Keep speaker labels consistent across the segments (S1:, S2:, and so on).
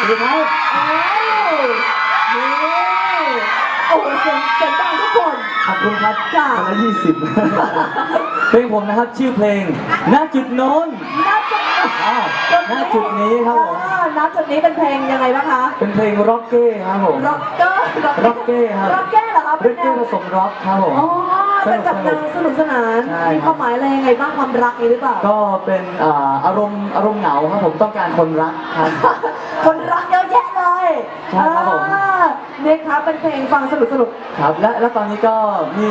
S1: สวัสดีครับ
S2: โอ้เสียงดังทุกคน
S1: ขอบคุณครับ
S2: ค่ะ
S1: คนละ20เพลงผมนะครับชื่อเพลงณจุดโน้นณจุดนี้ครับผม
S2: ณจุดนี้เป็นเพลงยังไงบ้างคะ
S1: เป็นเพลงร็อกเก้ครับผม
S2: ร็อกเกอร์
S1: ร็อกเก้ครับ
S2: ร็อกเก้เหรอครับ
S1: ร็อกเก้ผสมร็อกครับผม
S2: อ๋อเป็นแบบแนวสนุกสนานมีความหมายอะไรยังไงบ้างความรักนี้หรือเปล่า
S1: ก็เป็นอารมณ์เหงาครับผมต้องการคนรักครับ
S2: คนรักเยอะแยะเลย
S1: ใช่ครับผม
S2: เนี่ยครับเป็นเพลงฟังสนุก
S1: ครับและตอนนี้ก็มี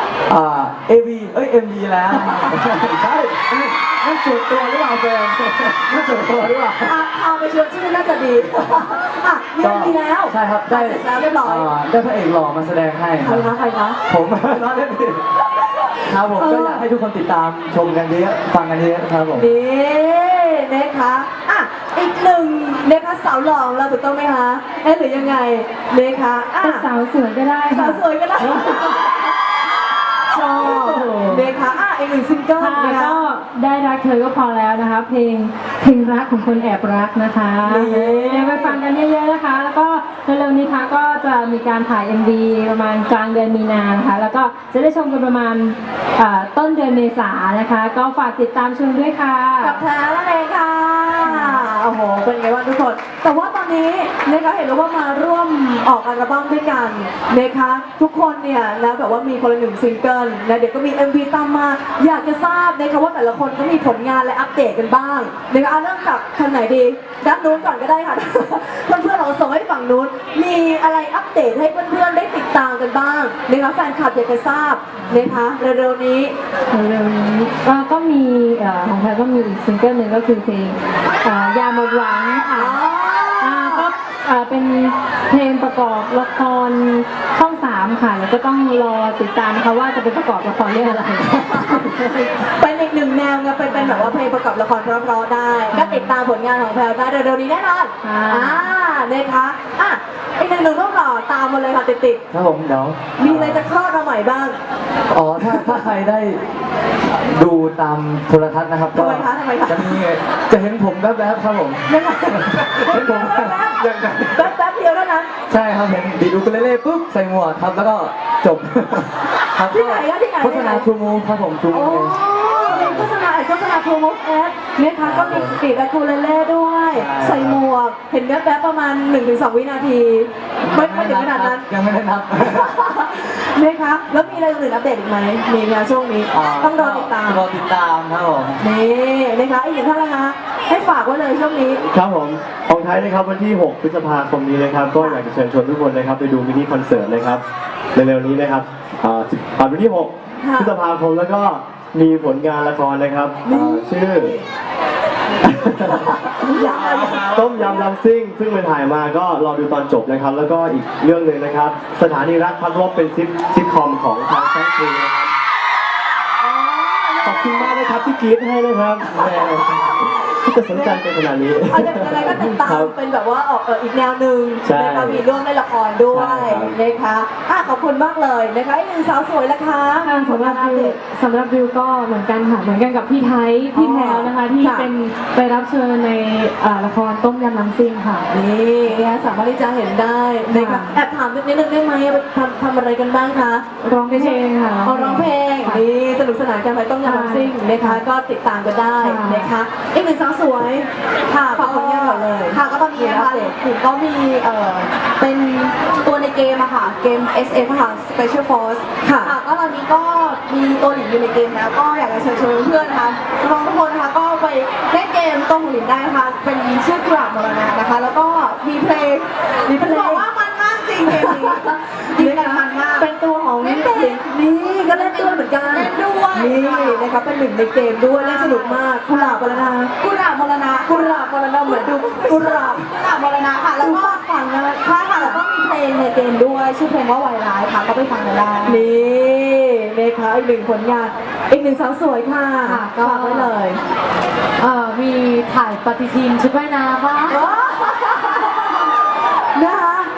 S1: AV MV แล้วใช่นั่นส่วนตัวหรือเปล่าแฟนนั่นส่วนตัวหรือเปล่า
S2: พาไปชวนชื่อน่าจะดีมีMVแล้ว
S1: ใช่ครับได้
S2: เสร็จแล้วเรียบร้อย
S1: ได้พระเอกหล่อมาแสดงให้
S2: ใครคะ
S1: ผมน้องเล่นผิดครับผมก็อยากให้ทุกคนติดตามชมกันเยอะฟังกันเยอะครับผม
S2: นี่นะคะอีกหนึ่งนะคะสาวหล่อเราถูกต้องไหมคะหรือยังไงนะคะ
S3: สาวสวยก็ได้
S2: สาวสวยก็ได้ชอบนะคะอีกหนึ่งซิงเกิลนะคะ
S3: ก็ได้รักเธอก็พอแล้วนะคะเพลงรักของคนแอบรักนะคะไปฟังกันเยอะๆนะคะแล้วก็เร็วๆนี้ค่ะก็จะมีการถ่าย MV ประมาณกลางเดือนมีนานะคะแล้วก็จะได้ชมกันประมาณต้นเดือนเมษายนนะคะก็ฝากติดตามชมด้วยค่ะ
S2: กับแพ้นั่นเองค่ะโอ้โหเป็นไงบ้างทุกคนแต่ว่าตอนนี้นะคะเห็นว่ามาร่วมออกอัลบั้มด้วยกันนะคะทุกคนเนี่ยแล้วแบบว่ามีคนละหนึ่งซิงเกิลและเดี๋ยวก็มี MV ตามมาอยากจะทราบนะคะว่าแต่ละคนก็มีผลงานและอัปเดตกันบ้างนะคะเริ่มจากทางไหนดีด้านนู้นก่อนก็ได้ค่ะเพื่อนๆเราส่งให้ฝั่งนู้นมีอะไรอัปเดตให้เพื่อนๆได้ติดตามกันบ้างนะคะแฟนคลับอยากจะทราบนะคะเร็วๆนี้
S3: ก็มีของไทยก็มีอีกซิงเกิลหนึ่งก็คือเพลงยาหมดหวังค่ะก็เป็นเพลงประกอบละครช่อง3ค่ะแล้วก็ต้องรอติดตามนะคะว่าจะเป็นประกอบละครเรื่องอะไร
S2: เป็นอีกหนึ่งแนวไงเป็นแบบว่าเพลงประกอบละครเพราะๆได้ก็ติดตามผลงานของแพลวได้เร็วๆนี้แน่นอนนะคะอีกหนึ่งต้องรอตามมาเลยค่ะติด
S1: ๆครับผมเดี๋ยว
S2: มีอะไรจะคลอดมาใหม่บ้าง
S1: ถ้าใครได้ดูตามโทรทัศน์นะครับก็จะเห็นผมแวบๆครับผมเห็นผม
S2: แป๊บเดียวแล้วนะ
S1: ใช่ครับเห็นดีดูกันเล่ๆปุ๊บใส่หมวกครับแล้วก็จบ
S2: ครับที่ไหน
S1: โฆษณาทูมูครับผมทูมู
S2: เป็นโฆษณาทูมูแอดนะคะก็มีติดอะคูเลเล่ด้วยใส่หมวกเห็นแวบๆประมาณ 1-2 วินาทีไม่ถึงขนาดนั้น
S1: ยังไม่ได้นับ
S2: นะคะแล้วมีอะไรอื่นอัปเดตอีกไหมมีงานช่วงนี้ต้องรอติดตาม
S1: ครับผม
S2: นี่นะคะอีกหนึ่งท่านละคะให้ฝากไว้เลยช่วงนี้
S4: ครับผมของไทยนะครับวันที่6 พฤษภาคมนี้นะครับก็อยากจะเชิญชวนทุกคนนะครับไปดูมินิคอนเสิร์ตนะครับเร็วๆนี้นะครับวันที่6 พฤษภาคมแล้วก็มีผลงานละครนะครับชื่อต้มยำลำซิ่งซึ่งไปถ่ายมาก็รอดูตอนจบนะครับแล้วก็อีกเรื่องหนึ่งนะครับสถานีรักพักรบเป็นซิทคอมของทางช่อง3นะครับขอบคุณมากนะครับที่กรี๊ดให้นะครับจะสนใจเป็นขนาดนี้
S2: อะไรก็ติดตามเป็นแบบว่าออกอีกแนวหนึ่งนะคะมีร่วมในละครด้วยนะคะขอบคุณมากเลยนะคะอีกหนึ่งสาวสวยละคะ
S3: สำหรับวิวก็เหมือนกันค่ะเหมือนกันกับพี่ไทยพี่แพรวนะคะที่เป็นไปรับเชิญในละครต้มยำน้ำซิ่งค่ะ
S2: นี่สามารถที่จะเห็นได้นะคะแอบถามนิดนึงได้ไหมทำอะไรกันบ้างคะ
S3: ร้องเพลงค่ะ
S2: ร้องเพลงนี่สนุกสนานกันไปต้มยำน้ำซิ่งนะคะก็ติดตามกันได้นะคะอีกหนึ่งสาวสวยค่ะฝากผลงานก่อนเลย
S5: ค่ะก็ตอนนี้นะคะผมก็มีเป็นตัวในเกมอะค่ะเกม SF ค่ะ Special Force ค่ะก็ตอนนี้ก็มีตัวหลินอยู่ในเกมแล้วก็อยากจะเชิญชวนเพื่อนนะคะน้องทุกคนนะคะก็ไปเล่นเกมตัวหลินได้นะคะเป็นชื่อกราบมรณะนะคะแล้วก็มีเพลงบอกว่ามันมากจริงเกมนี้ดีกันมันมาก
S2: เป็นตัวของนี่ก็เล่นด้วยเหมือนกัน
S5: เล่นด้วย
S2: นี่นะคะเป็นหนึ่งในเกมด้วยเล่นสนุกมากกุหลาบมรณะเหมือนดูกุหลาบ
S5: มรณะค่ะแล้วก็ฟังนะใช่ค่ะแล้วก็มีเพลงในเกมด้วยชื่อเพลงว่าไวร้ายค่ะก็ไปฟังกันได้
S2: นี่นะคะอีกหนึ่งผลงานอีกหนึ่งสาวสวยค่ะก็ฝากไว้เลย
S3: มีถ่ายปฏิทินชุดว่ายน้ำบ้าง
S2: นะคะอีกหนึ่ง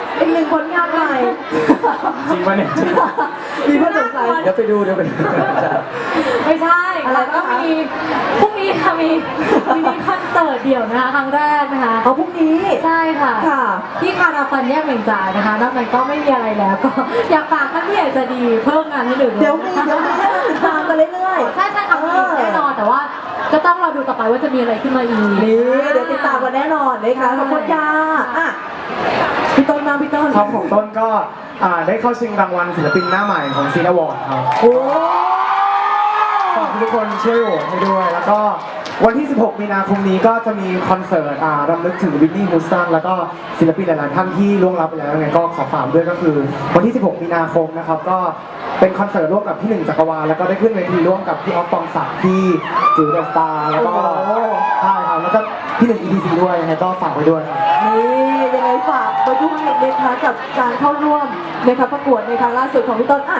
S2: ผลงานใหม่
S1: จริงปะเนี่ยจริง
S2: มีเพื่อนสงสัย
S1: เดี๋ยวไปดูใช่
S3: ไม่ใช่
S2: อะไร
S3: ค่ะ
S2: บ้างคะ
S3: ก็มีพรุ่งนี้ค่ะมีคอนเสิร์ตเดี่ยวนะคะครั้งแรกนะคะ
S2: เอาพรุ่งนี้
S3: ใช่ค่ะ
S2: ค่ะ
S3: ที่คาราฟันแยกเหม่งจ่ายนะคะนอกนั้นก็ไม่มีอะไรแล้วก็อยากฝากท่านที่อยากจะดีเพิ่มงานให้หนึ่ง
S2: เดี๋ยวมีให้เราติดตามกันเรื่อยๆ
S3: ใช่ค่ะมีแน่นอนแต่ว่าก็ต้องรอดูต่อไปว่าจะมีอะไรขึ้นมาอีก
S2: นี่เดี๋ยวติดตามกันแน่นอนนะคะขอบคุณค่ะอ่ะพี่ต้นมาพี่ต้น
S6: ครับของต้นก็ได้เข้าชิงรางวัลศิลปินหน้าใหม่ของซีนอวอร์ดครับ
S2: โอ้
S6: ฝากทุกคนช่วยโหวตให้ด้วย แล้วก็วันที่ 16 มีนาคมนี้ก็จะมีคอนเสิร์ตรำลึกถึงวินนี่ฮูสตันแล้วก็ศิลปินหลายๆท่านที่ล่วงลับไปแล้วยังไงก็ขอฝากด้วยก็คือวันที่ 16 มีนาคมนะครับก็เป็นคอนเสิร์ตร่วมกับพี่หนึ่งจักรวาลแล้วก็ได้ขึ้นเวทีร่วมกับพี่ออฟปองศักดิ์พี่จิ๋วเดอะสตาร์แล้วก็ใช่ครับแล้วก็พี่หนึ่ง ETC ด้วยยังไงก็ฝากไว้ด้วยครับ
S2: นี่ยังไงฝากไปด้วยนะคะกับการเข้าร่วมนะคะประกวดในครั้งล่าสุดของพี่ต้นอ่ะ